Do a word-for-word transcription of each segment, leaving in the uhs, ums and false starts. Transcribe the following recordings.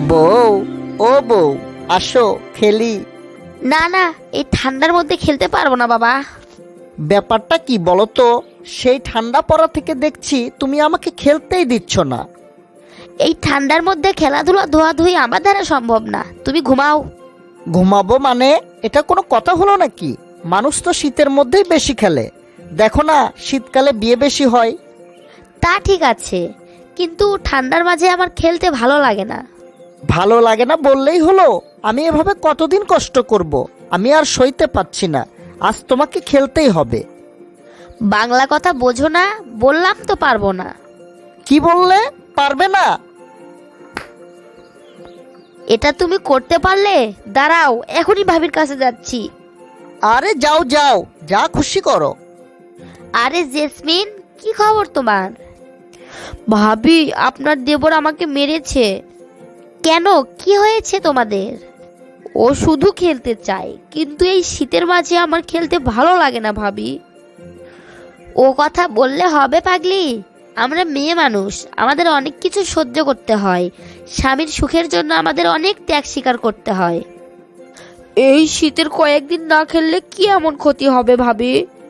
বউ, ও বউ, আসো খেলি। না না, এই ঠান্ডার মধ্যে খেলতে পারবো না বাবা। ব্যাপারটা কি বলো তো? সেই ঠান্ডা পড়া থেকে দেখছি তুমি আমাকে খেলতেই দিচ্ছ না। এই ঠান্ডার মধ্যে খেলাধুলা ধোয়াধুয়ি আমার দ্বারা সম্ভব না, তুমি ঘুমাও। ঘুমাবো মানে? এটা কোনো কথা হলো নাকি? মানুষ তো শীতের মধ্যেই বেশি খেলে, দেখো না শীতকালে বিয়ে বেশি হয়। তা ঠিক আছে, কিন্তু ঠান্ডার মাঝে আমার খেলতে ভালো লাগে না। ভালো লাগে না বললেই হলো? আমি এভাবে কতদিন কষ্ট করব? আমি আর সইতে পারছি না, আজ তোমাকে খেলতেই হবে। বাংলা কথা বোঝো না? বললাম তো পারবো না। কি বললে? পারবে না? এটা তুমি করতে পারলে? দাঁড়াও, এখনই ভাবির কাছে যাচ্ছি। আরে যাও যাও, যা খুশি করো। আরে জেসমিন, কি খবর তোমার? ভাবি, আপনার দেবর আমাকে মেরেছে। কেন, কি হয়েছে তোমাদের? ও শুধু খেলতে চায়, কিন্তু এই শীতের মাঝে আমার খেলতে ভালো লাগে না ভাবি। ও কথা বললে হবে পাগলি? আমরা মেয়ে মানুষ, আমাদের অনেক কিছু সহ্য করতে হয়। স্বামীর সুখের জন্য আমাদের অনেক ত্যাগ স্বীকার করতে হয়। এই শীতের কয়েকদিন না খেললে কি এমন ক্ষতি হবে ভাবি?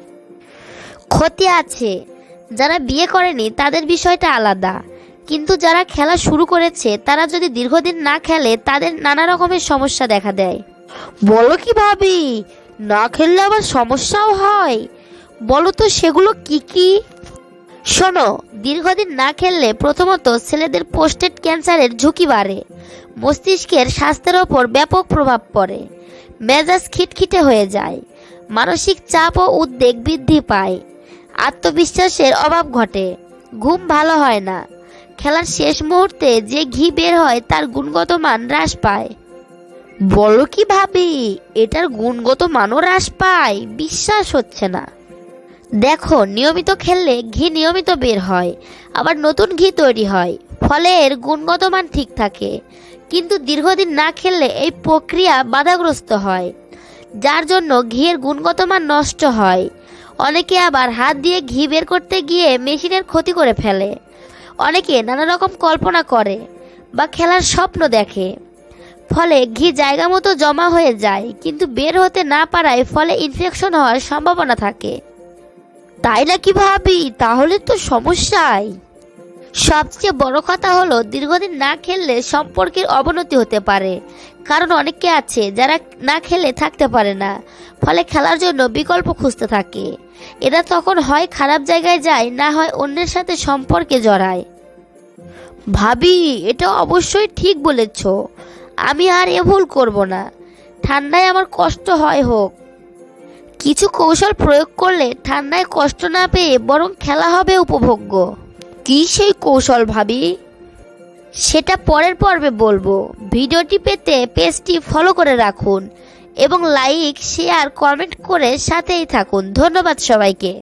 ক্ষতি আছে, যারা বিয়ে করেনি তাদের বিষয়টা আলাদা, কিন্তু যারা খেলা শুরু করেছে তারা যদি দীর্ঘদিন না খেলে তাদের নানা রকমের সমস্যা দেখা দেয়। বলো কি ভাবি, না খেললে আবার সমস্যাও হয়? বলো তো সেগুলো কি কি? শোনো, দীর্ঘদিন না খেললে প্রথমত ছেলেদের প্রোস্টেট ক্যান্সারের ঝুঁকি বাড়ে, মস্তিষ্কের স্বাস্থ্যের ওপর ব্যাপক প্রভাব পড়ে, মেজাজ খিটখিটে হয়ে যায়, মানসিক চাপ ও উদ্বেগ বৃদ্ধি পায়, আত্মবিশ্বাসের অভাব ঘটে, ঘুম ভালো হয় না, খেলার শেষ মুহূর্তে যে ঘি বের হয় তার গুণগত মান হ্রাস পায়। বলো কি ভাবি, এটার গুণগত মানও হ্রাস পায়? বিশ্বাস হচ্ছে না। দেখো, নিয়মিত খেললে ঘি নিয়মিত বের হয়, আবার নতুন ঘি তৈরি হয়, ফলে এর গুণগত মান ঠিক থাকে। কিন্তু দীর্ঘদিন না খেললে এই প্রক্রিয়া বাধাগ্রস্ত হয়, যার জন্য ঘিয়ের গুণগত মান নষ্ট হয়। অনেকে আবার হাত দিয়ে ঘি বের করতে গিয়ে মেশিনের ক্ষতি করে ফেলে। অনেকে নানা রকম কল্পনা করে বা খেলার স্বপ্ন দেখে, ফলে ঘি জায়গা মতো জমা হয়ে যায়, কিন্তু বের হতে না পারায় ফলে ইনফেকশন হওয়ার সম্ভাবনা থাকে। তাই নাকি ভাবি? তাহলে তো সমস্যাই। সবচেয়ে বড় কথা হলো, দীর্ঘদিন না খেললে সম্পর্কের অবনতি হতে পারে, কারণ অনেকে আছে যারা না খেলে থাকতে পারে না, ফলে খেলার জন্য বিকল্প খুঁজতে থাকে। এরা তখন হয় খারাপ জায়গায় যায়, না হয় অন্যের সাথে সম্পর্কে জড়ায়। ভাবি, এটা অবশ্যই ঠিক বলেছ, আমি আর এ ভুল করব না। ঠান্ডায় আমার কষ্ট হয় হোক, কিছু কৌশল প্রয়োগ করলে ঠান্ডায় কষ্ট না পেয়ে বরং খেলা হবে উপভোগ্য। কি সেই কৌশল ভাবি? সেটা পরের পর্বে বলবো। ভিডিওটি পেতে পেজটি ফলো করে রাখুন এবং লাইক, শেয়ার, কমেন্ট করে সাথেই থাকুন। ধন্যবাদ সবাইকে।